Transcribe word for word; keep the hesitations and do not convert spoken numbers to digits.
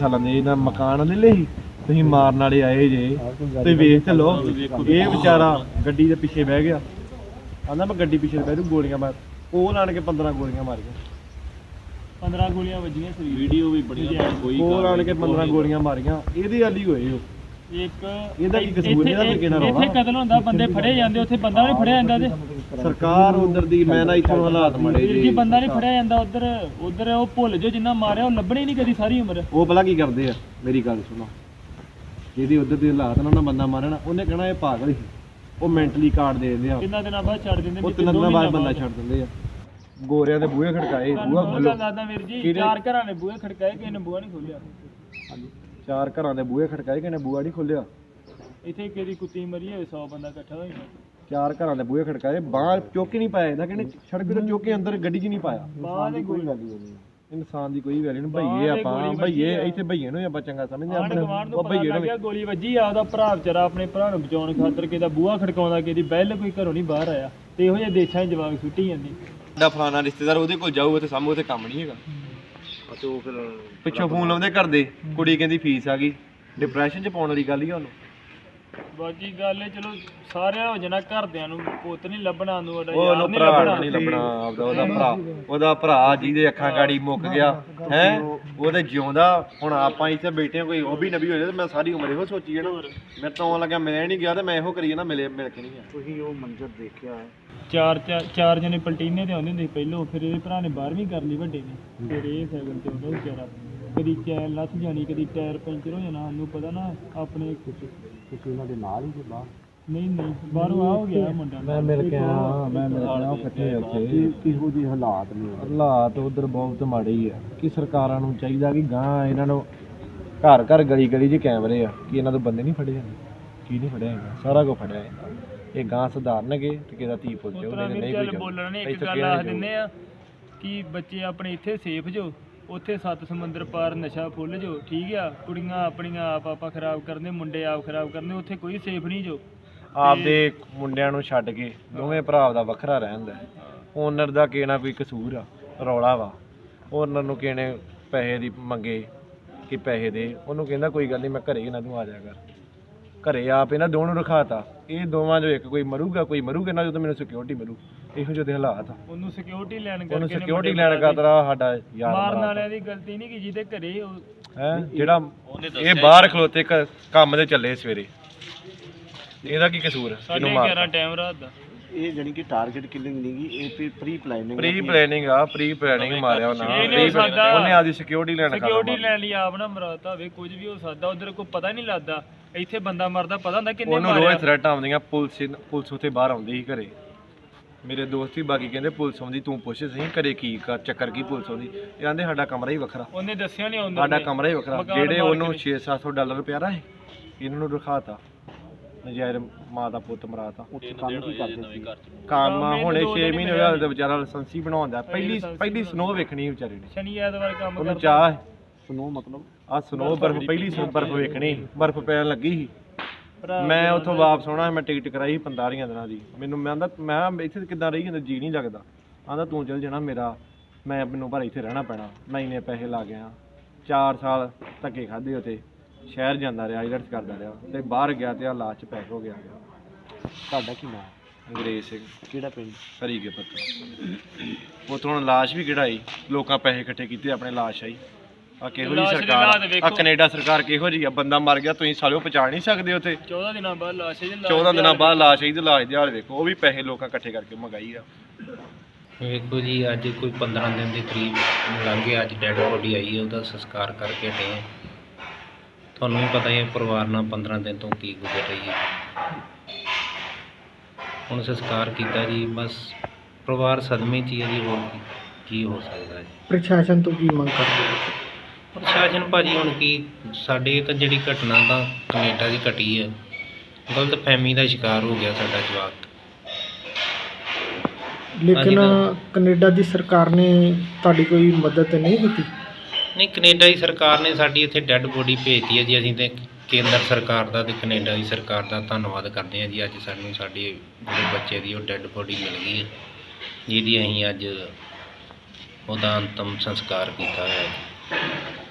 ਸਾਲਾਂ ਦੇ ਇਹਨਾਂ ਮਕਾਨ ਲੈ ਲਏ ਸੀ ਤੁਸੀਂ ਮਾਰਨ ਵਾਲੇ ਆਏ ਜੇ ਤੁਸੀਂ ਵੇਖ ਤੇ ਲਓ ਇਹ ਵਿਚਾਰਾ ਗੱਡੀ ਦੇ ਪਿੱਛੇ ਬਹਿ ਗਿਆ ਆਂਦਾ ਮੈਂ ਗੱਡੀ ਪਿੱਛੇ ਬਹਿ ਜੂ ਗੋਲੀਆਂ ਮਾਰ ਉਹ ਲਾਣ ਕੇ ਪੰਦਰਾਂ ਗੋਲੀਆਂ ਮਾਰੀਆਂ ਪੰਦਰਾਂ ਗੋਲੀਆਂ ਵੱਜੀਆਂ ਸੀ ਵੀਡੀਓ ਵੀ ਬੜੀ ਕੋਈ ਉਹ ਲਾਣ ਕੇ ਪੰਦਰਾਂ ਗੋਲੀਆਂ ਮਾਰੀਆਂ ਇਹਦੇ ਵਾਲੀ ਹੋਏ ਉਹ ਇੱਕ ਇਹਦਾ ਕੀ ਕਸੂਰ ਇਹਦਾ ਤਰੀਕੇ ਨਾਲ ਰੌਲਾ ਇੱਥੇ ਕਤਲ ਹੁੰਦਾ ਬੰਦੇ ਫੜੇ ਜਾਂਦੇ ਉੱਥੇ ਬੰਦਾ ਨਹੀਂ ਫੜਿਆ ਜਾਂਦਾ ਤੇ ਸਰਕਾਰ ਉਧਰ ਦੀ ਮੈਂ ਨਾ ਇੱਥੋਂ ਹਾਲਾਤ ਮਾੜੇ ਜੀ ਬੰਦਾ ਨਹੀਂ ਫੜਿਆ ਜਾਂਦਾ ਉਧਰ ਉਧਰ ਉਹ ਭੁੱਲ ਜੋ ਜਿੰਨਾ ਮਾਰਿਆ ਉਹ ਲੱਭਣੇ ਨਹੀਂ ਕਦੀ ਸਾਰੀ ਉਮਰ ਉਹ ਭਲਾ ਕੀ ਕਰਦੇ ਆ ਮੇਰੀ ਗੱਲ ਸੁਣੋ ਜਿਹਦੀ ਉਧਰ ਦੇ ਹਾਲਾਤ ਨਾਲ ਨਾ ਬੰਦਾ ਮਾਰਨਾ ਉਹਨੇ ਕਹਿਣਾ ਇਹ ਪਾਗਲ ਸੀ ਉਹ ਮੈਂਟਲੀ ਕਾਰਡ ਦੇ ਦਿੰਦੇ ਆ ਕਿੰਨਾ ਦਿਨਾਂ ਬਾਅਦ ਛੱਡ ਦਿੰਦੇ ਉਹ ਤਿੰਨ ਦਿਨਾਂ ਬਾਅਦ ਬੰਦਾ ਛੱਡ ਦਿੰਦੇ ਆ ਗੋਰਿਆਂ ਦੇ ਬੂਹੇ ਖੜਕਾਏ ਬੂਹਾ ਖੋਲੋ ਦਾਦਾ ਵੀਰ ਜੀ ਚਾਰ ਘਰਾਂ ਨੇ ਬੂਹੇ ਖੜਕਾਏ ਕਿਸੇ ਨੇ ਬੂਹਾ ਨਹੀਂ ਖੋਲਿਆ ਹਾਂਜੀ ਚਾਰ ਘਰਾਂ ਦੇ ਬੂਹੇ ਖੜਕਾਏ ਕਿਸੇ ਨੇ ਬੂਹਾ ਨਹੀਂ ਖੋਲਿਆ ਇੱਥੇ ਕਿਹਦੀ ਕੁੱਤੀ ਮਰੀ ਹੋਵੇ ਸੌ ਬੰਦਾ ਇਕੱਠਾ ਹੋਇਆ ਚਾਰ ਘਰਾਂ ਦੇ ਬੂਹੇ ਖੜਕਾਏ ਬਾਹਰ ਚੌਕੀ ਨਹੀਂ ਪਾਇਆ ਇਹਦਾ ਕਹਿੰਦੇ ਸੜਕ ਤੇ ਚੌਕੇ ਅੰਦਰ ਗੱਡੀ 'ਚ ਨਹੀਂ ਪਾਇਆ ਬਾਹਰ ਦੀ ਕੋਈ ਵੈਲਿਊ ਨਹੀਂ ਇਨਸਾਨ ਦੀ ਕੋਈ ਵੈਲਿਊ ਨਹੀਂ ਭਈਏ ਆਪਾਂ ਭਈਏ ਇੱਥੇ ਭਈਏ ਨੂੰ ਆਪਾਂ ਚੰਗਾ ਸਮਝਦੇ ਆਪਣੇ ਉਹ ਭਈਏ ਨੂੰ ਗੋਲੀ ਵੱਜੀ ਆ ਉਹਦਾ ਭਰਾ ਵਿਚਾਰਾ ਆਪਣੇ ਭਰਾ ਨੂੰ ਬਚਾਉਣ ਖਾਤਰ ਕਿਹਦਾ ਬੂਹਾ ਖੜਕਾਉਂਦਾ ਕਿਹਦੀ ਬੈਲ ਕੋਈ ਘਰੋਂ ਨਹੀਂ ਬਾਹਰ ਆਇਆ ਤੇ ਇਹੋ ਜਿਹੇ ਦੇਸ਼ਾਂ 'ਚ ਜਵਾਕ ਸੁੱਟੀ ਜਾਂਦੀ ਸਾਡਾ ਫਲਾਣਾ ਰਿਸ਼ਤੇਦਾਰ ਉਹਦੇ ਕੋਲ ਜਾਊ ਤੇ ਸਾਹਮਣੇ ਉੱਥੇ ਕੰਮ ਨਹੀਂ ਹੈਗਾ ਤੇ ਉਹ ਫਿਰ ਪਿੱਛੋਂ ਫੋਨ ਲਾਉਂਦੇ ਘਰ ਦੇ ਕੁੜੀ ਕਹਿੰਦੀ ਫੀਸ ਆ ਗਈ ਡਿਪਰੈਸ਼ਨ 'ਚ ਪਾਉਣ ਵਾਲੀ ਗੱਲ ਹੀ ਉਹਨੂੰ ਬਾਕੀ ਗੱਲ ਹੈ ਚਲੋ ਸਾਰਿਆਂ ਹੋ ਜਾਣਾ ਘਰਦਿਆਂ ਨੂੰ ਪੁੱਤ ਨਹੀਂ ਲੱਭਣਾ ਨੂੰ ਉਹਨੂੰ ਭਰਾ ਨਹੀਂ ਲੱਭਣਾ ਆਪਦਾ ਉਹਦਾ ਭਰਾ ਉਹਦਾ ਭਰਾ ਜਿਹਦੇ ਅੱਖਾਂ ਗਾੜੀ ਮੁੱਕ ਗਿਆ ਹੈ ਉਹਦੇ ਜਿਉਂਦਾ ਹੁਣ ਆਪਾਂ ਇੱਥੇ ਬੈਠੇ ਕੋਈ ਉਹ ਵੀ ਨਬੀ ਹੋ ਜਾਏ ਤੇ ਮੈਂ ਸਾਰੀ ਉਮਰ ਇਹੋ ਸੋਚੀ ਜਾਣਾ ਮੇਰੇ ਤੋਂ ਆਉਣ ਲੱਗਿਆ ਮਿਲਿਆ ਨਹੀਂ ਗਿਆ ਤੇ ਮੈਂ ਇਹੋ ਕਰੀ ਜਾਣਾ ਮਿਲੇ ਮਿਲ ਕੇ ਨਹੀਂ ਗਿਆ ਤੁਸੀਂ ਉਹ ਮੰਜ਼ਰ ਦੇਖਿਆ ਚਾਰ ਚਾਰ ਜਣੇ ਪਲਟੀਨੇ ਤੇ ਆਉਂਦੇ ਹੁੰਦੇ ਪਹਿਲੋਂ ਫਿਰ ਇਹਦੇ ਭਰਾ ਨੇ ਬਾਰ੍ਹਵੀਂ ਕਰ ਲਈ ਵੱਡੇ ਨੇ ਫਿਰ ਇਹ ਸਾਈਕਲ ਤੇ ਆਉਂਦਾ ਵਿਚਾਰਾ ਕਦੀ ਚੈਨ ਲੱਥ ਜਾਣੀ ਕਦੀ ਟਾਇਰ ਪੈਂਚਰ ਹੋ ਜਾਣਾ ਸਾਨੂੰ ਪਤਾ ਨਾ ਆਪਣੇ ਤੁਸੀਂ ਉਹਨਾਂ ਦੇ ਨਾਲ ਹੀ ਜੇ ਬਾਹਰ ਨਹੀਂ ਨਹੀਂ ਬਾਹਰੋਂ ਆ ਹੋ ਗਿਆ ਮੁੰਡਾ ਮੈਂ ਮਿਲ ਕੇ ਆਇਆ ਮੈਂ ਮਿਲ ਕੇ ਆਇਆ ਇਕੱਠੇ ਉੱਥੇ ਕਿਹੋ ਜਿਹੇ ਹਾਲਾਤ ਨੇ ਹਾਲਾਤ ਉਧਰ ਬਹੁਤ ਮਾੜੇ ਹੀ ਆ ਕਿ ਸਰਕਾਰਾਂ ਨੂੰ ਚਾਹੀਦਾ ਕਿ ਗਾਂ ਇਹਨਾਂ ਨੂੰ ਘਰ ਘਰ ਗਲੀ ਗਲੀ 'ਚ ਕੈਮਰੇ ਆ ਕਿ ਇਹਨਾਂ ਤੋਂ ਬੰਦੇ ਨਹੀਂ ਫੜੇ ਜਾਂਦੇ ਕੀ ਨਹੀਂ ਫੜਿਆ ਜਾਂਦਾ ਸਾਰਾ ਕੁਝ ਫੜਿਆ ਜਾਂਦਾ ਇਹ ਗਾਂ ਸੁਧਾਰਨਗੇ ਤੇ ਕਿਹਦਾ ਧੀ ਪੁੱਤ ਜੋ ਨਹੀਂ ਕੋਈ ਬੋਲਣਾ ਨਹੀਂ ਇੱਕ ਗੱਲ ਆਖ ਦਿੰਦੇ ਆ ਕਿ ਬੱਚੇ ਆਪਣੇ ਇੱਥੇ ਸੇਫ ਜੋ ਉੱਥੇ ਸੱਤ ਸਮੁੰਦਰ ਪਾਰ ਨਸ਼ਾ ਫੁੱਲ ਜੋ ਠੀਕ ਆ ਕੁੜੀਆਂ ਆਪਣੀਆਂ ਆਪ ਆਪਾਂ ਖਰਾਬ ਕਰਦੇ ਮੁੰਡੇ ਆਪ ਖਰਾਬ ਕਰਦੇ ਉੱਥੇ ਕੋਈ ਸੇਫ ਨਹੀਂ ਜੋ ਆਪਦੇ ਮੁੰਡਿਆਂ ਨੂੰ ਛੱਡ ਕੇ ਦੋਵੇਂ ਭਰਾ ਦਾ ਵੱਖਰਾ ਰਹਿੰਦਾ ਓਨਰ ਦਾ ਕਿਹਨਾ ਕੋਈ ਕਸੂਰ ਆ ਰੌਲਾ ਵਾ ਓਨਰ ਨੂੰ ਕਿਹਨੇ ਪੈਸੇ ਦੀ ਮੰਗੇ ਕਿ ਪੈਸੇ ਦੇ ਉਹਨੂੰ ਕਹਿੰਦਾ ਕੋਈ ਗੱਲ ਨਹੀਂ ਮੈਂ ਘਰੇ ਇਹਨਾਂ ਨੂੰ ਆ ਜਾ ਕਰ ਘਰੇ ਆਪ ਇਹਨਾਂ ਦੋਵਾਂ ਨੂੰ ਰਖਾਤਾ ਇਹ ਦੋਵਾਂ ਚੋਂ ਇੱਕ ਕੋਈ ਮਰੂਗਾ ਕੋਈ ਮਰੂਗਾ ਨਾ ਜਦੋਂ ਮੈਨੂੰ ਸਿਕਿਉਰਿਟੀ ਮਿਲੂ ਇਹੋ ਜਿਹੇ ਹਾਲਾਤ ਆ ਉਹਨੂੰ ਸਿਕਿਉਰਿਟੀ ਲੈਣ ਕਰਕੇ ਉਹਨੂੰ ਸਿਕਿਉਰਿਟੀ ਲੈਣ ਕਰਦਾ ਸਾਡਾ ਯਾਰ ਮਾਰਨ ਵਾਲਿਆਂ ਦੀ ਗਲਤੀ ਨਹੀਂ ਕਿ ਜਿਹਦੇ ਘਰੇ ਹੈ ਜਿਹੜਾ ਇਹ ਬਾਹਰ ਖਲੋਤੇ ਕੰਮ ਤੇ ਚੱਲੇ ਸਵੇਰੇ ਇਹਦਾ ਕੀ ਕਸੂਰ ਇਹਨੂੰ ਮਾਰ ਗਿਆਰਾਂ ਟਾਈਮ ਰਾਤ ਦਾ ਇਹ ਜਾਨੀ ਕਿ ਟਾਰਗੇਟ ਕਿਲਿੰਗ ਨਹੀਂ ਗਈ ਇਹ ਪ੍ਰੀ ਪਲਾਨਿੰਗ ਪ੍ਰੀ ਪਲਾਨਿੰਗ ਆ ਪ੍ਰੀ ਪਲਾਨਿੰਗ ਮਾਰਿਆ ਉਹਨਾਂ ਉਹਨੇ ਆਦੀ ਸਿਕਿਉਰਿਟੀ ਲੈਣ ਕਰਦਾ ਸਿਕਿਉਰਿਟੀ ਲੈਣ ਲਈ ਆਪ ਨਾ ਮਰਾਤਾ ਹੋਵੇ ਕੁਝ ਵੀ ਹੋ ਸਕਦਾ ਉਧਰ ਕੋਈ ਪਤਾ ਨਹੀਂ ਲੱਗਦਾ ਇੱਥੇ ਬੰਦਾ ਮਰਦਾ ਪਤਾ ਹੁੰਦਾ ਕਿੰਨੇ ਮਾਰਿਆ ਉਹਨੂੰ ਰੋਜ਼ ਥ੍ਰੈਟ ਆਉਂਦੀਆਂ ਪੁਲਿਸ ਪੁਲਿਸ ਉੱਥੇ ਬਾਹਰ ਆਉਂਦੀ ਸੀ ਘਰੇ ਮੇਰੇ ਦੋਸਤ ਹੀ ਬਾਕੀ ਕਹਿੰਦੇ ਪੁਲਿਸ ਆਉਂਦੀ ਤੂੰ ਪੁੱਛ ਸਹੀ ਘਰੇ ਕੀ ਕਰ ਚੱਕਰ ਕੀ ਪੁਲਿਸ ਆਉਂਦੀ ਇਹ ਕਹਿੰਦੇ ਸਾਡਾ ਕਮਰਾ ਹੀ ਵੱਖਰਾ ਉਹਨੇ ਦੱਸਿਆ ਨਹੀਂ ਆਉਂਦਾ ਸਾਡਾ ਕਮਰਾ ਹੀ ਵੱਖਰਾ ਜਿਹੜੇ ਉਹਨੂੰ ਛੇ ਸੱਤ ਸੌ ਡਾਲਰ ਪਿਆਰਾ ਹੈ ਇਹਨਾਂ ਨੂੰ ਰਖਾਤਾ ਨਜਾਇਰ ਮਾਂ ਦਾ ਪੁੱਤ ਮਰਾਤਾ ਉੱਥੇ ਕੰਮ ਕੀ ਕਰਦੇ ਸੀ ਕੰਮ ਹੁਣੇ ਛੇ ਮਹੀਨੇ ਹੋਏ ਹਾਲੇ ਤੇ ਵਿਚਾਰਾ ਲਾਇਸੈਂਸ ਹੀ ਬਣਾਉਂਦਾ ਪਹਿਲੀ ਪਹਿਲੀ ਸਨੋ ਵੇਖਣੀ ਵਿਚਾਰੇ ਨੇ ਸ਼ਨੀ ਐਤਵਾਰ ਕੰਮ ਕਰਦਾ ਚਾਹ ਸਨੋ ਮਤਲਬ ਆ ਸਨੋ ਬਰਫ਼ ਪਹਿਲੀ ਸਨੋ ਬਰਫ਼ ਵੇਖਣੀ ਬਰਫ਼ ਪੈਣ ਲੱਗੀ ਸੀ ਮੈਂ ਉੱਥੋਂ ਵਾਪਸ ਆਉਣਾ ਮੈਂ ਟਿਕਟ ਕਰਾਈ ਪੰਤਾਲੀਆਂ ਦਿਨਾਂ ਦੀ ਮੈਨੂੰ ਮੈਂ ਆਂਦਾ ਮੈਂ ਇੱਥੇ ਕਿੱਦਾਂ ਰਹੀ ਜਾਂਦਾ ਜੀ ਨਹੀਂ ਲੱਗਦਾ ਆਂਦਾ ਤੂੰ ਚੱਲ ਜਾਣਾ ਮੇਰਾ ਮੈਂ ਮੈਨੂੰ ਪਰ ਇੱਥੇ ਰਹਿਣਾ ਪੈਣਾ ਮੈਂ ਇੰਨੇ ਪੈਸੇ ਲਾ ਗਿਆ ਚਾਰ ਸਾਲ ਧੱਕੇ ਖਾਧੇ ਉੱਥੇ ਸ਼ਹਿਰ ਜਾਂਦਾ ਰਿਹਾ ਆਈਲੈਟਸ ਕਰਦਾ ਰਿਹਾ ਤੇ ਬਾਹਰ ਗਿਆ ਤੇ ਆ ਲਾਸ਼ 'ਚ ਪੈਕ ਹੋ ਗਿਆ ਤੁਹਾਡਾ ਕੀ ਨਾਮ ਅੰਗਰੇਜ਼ ਸਿੰਘ ਕਿਹੜਾ ਪਿੰਡ ਹਰੀਕੇ ਪੱਤਰ ਉੱਥੋਂ ਹੁਣ ਲਾਸ਼ ਵੀ ਕਿਹੜਾਈ ਲੋਕਾਂ ਪੈਸੇ ਇਕੱਠੇ ਕੀਤੇ ਆਪਣੇ ਲਾਸ਼ ਆਈ ਆ ਕਿਹੋ ਜਿਹੀ ਸਰਕਾਰ ਆ ਕੈਨੇਡਾ ਸਰਕਾਰ ਕਿਹੋ ਜਿਹੀ ਆ ਬੰਦਾ ਮਰ ਗਿਆ ਤੁਸੀਂ ਸਾਲਿਓ ਪਹੁੰਚਾ ਨਹੀਂ ਸਕਦੇ ਉੱਥੇ ਚੌਦਾਂ ਦਿਨਾਂ ਬਾਅਦ ਲਾਸ਼ ਚੌਦਾਂ ਦਿਨਾਂ ਬਾਅਦ ਲਾਸ਼ ਆਈ ਤੇ ਲਾਸ਼ ਦੇ ਹਾਲ ਵੇਖੋ ਉਹ ਵੀ ਪੈਸੇ ਲੋਕਾਂ ਇਕੱਠੇ ਕਰਕੇ ਮੰਗਾਈ ਆ ਵੇਖੋ ਜੀ ਅੱਜ ਕੋਈ ਪੰਦਰਾਂ ਦਿਨ ਦੇ ਕਰੀਬ ਲੰਘ ਗਏ ਅੱਜ ਡੈਡ ਬੋਡੀ ਆਈ ਹੈ ਉਹਦਾ ਸੰਸਕਾਰ ਕਰਕੇ ਹਟੇ ਹਾਂ ਤੁਹਾਨੂੰ ਵੀ ਪਤਾ ਹੀ ਹੈ ਪਰਿਵਾਰ ਨਾਲ ਪੰਦਰਾਂ ਦਿਨ ਤੋਂ ਕੀ ਗੁਜ਼ਰ ਰਹੀ ਹੈ ਹੁਣ ਸੰਸਕਾਰ ਕੀਤਾ ਜੀ ਬਸ ਪਰਿਵਾਰ ਸਦਮੇ 'ਚ ਹੀ ਹੈ ਜੀ ਹੋਰ ਕੀ ਹੋ ਸਕਦਾ ਜੀ ਪ੍ਰਸ਼ਾਸਨ ਤੋਂ ਕੀ ਮੰਗ ਕਰਦੇ ਹੋ ਪ੍ਰਸ਼ਾਸਨ ਭਾਜੀ ਹੁਣ ਕੀ ਸਾਡੇ ਤਾਂ ਜਿਹੜੀ ਘਟਨਾ ਤਾਂ ਕੈਨੇਡਾ ਦੀ ਘਟੀ ਹੈ ਗਲਤ ਫਹਿਮੀ ਦਾ ਸ਼ਿਕਾਰ ਹੋ ਗਿਆ ਸਾਡਾ ਜਵਾਕ ਲੇਕਿਨ ਕੈਨੇਡਾ ਦੀ ਸਰਕਾਰ ਨੇ ਤੁਹਾਡੀ ਕੋਈ ਮਦਦ ਨਹੀਂ ਕੀਤੀ ਨਹੀਂ ਕੈਨੇਡਾ ਦੀ ਸਰਕਾਰ ਨੇ ਸਾਡੀ ਇੱਥੇ ਡੈੱਡ ਬੋਡੀ ਭੇਜਤੀ ਹੈ ਜੀ ਅਸੀਂ ਤਾਂ ਕੇਂਦਰ ਸਰਕਾਰ ਦਾ ਅਤੇ ਕੈਨੇਡਾ ਦੀ ਸਰਕਾਰ ਦਾ ਧੰਨਵਾਦ ਕਰਦੇ ਹਾਂ ਜੀ ਅੱਜ ਸਾਨੂੰ ਸਾਡੇ ਜਿਹੜੇ ਬੱਚੇ ਦੀ ਉਹ ਡੈੱਡ ਬੋਡੀ ਮਿਲ ਗਈ ਹੈ ਜਿਹਦੀ ਅਸੀਂ ਅੱਜ ਉਹਦਾ ਅੰਤਮ ਸੰਸਕਾਰ ਕੀਤਾ ਹੈ।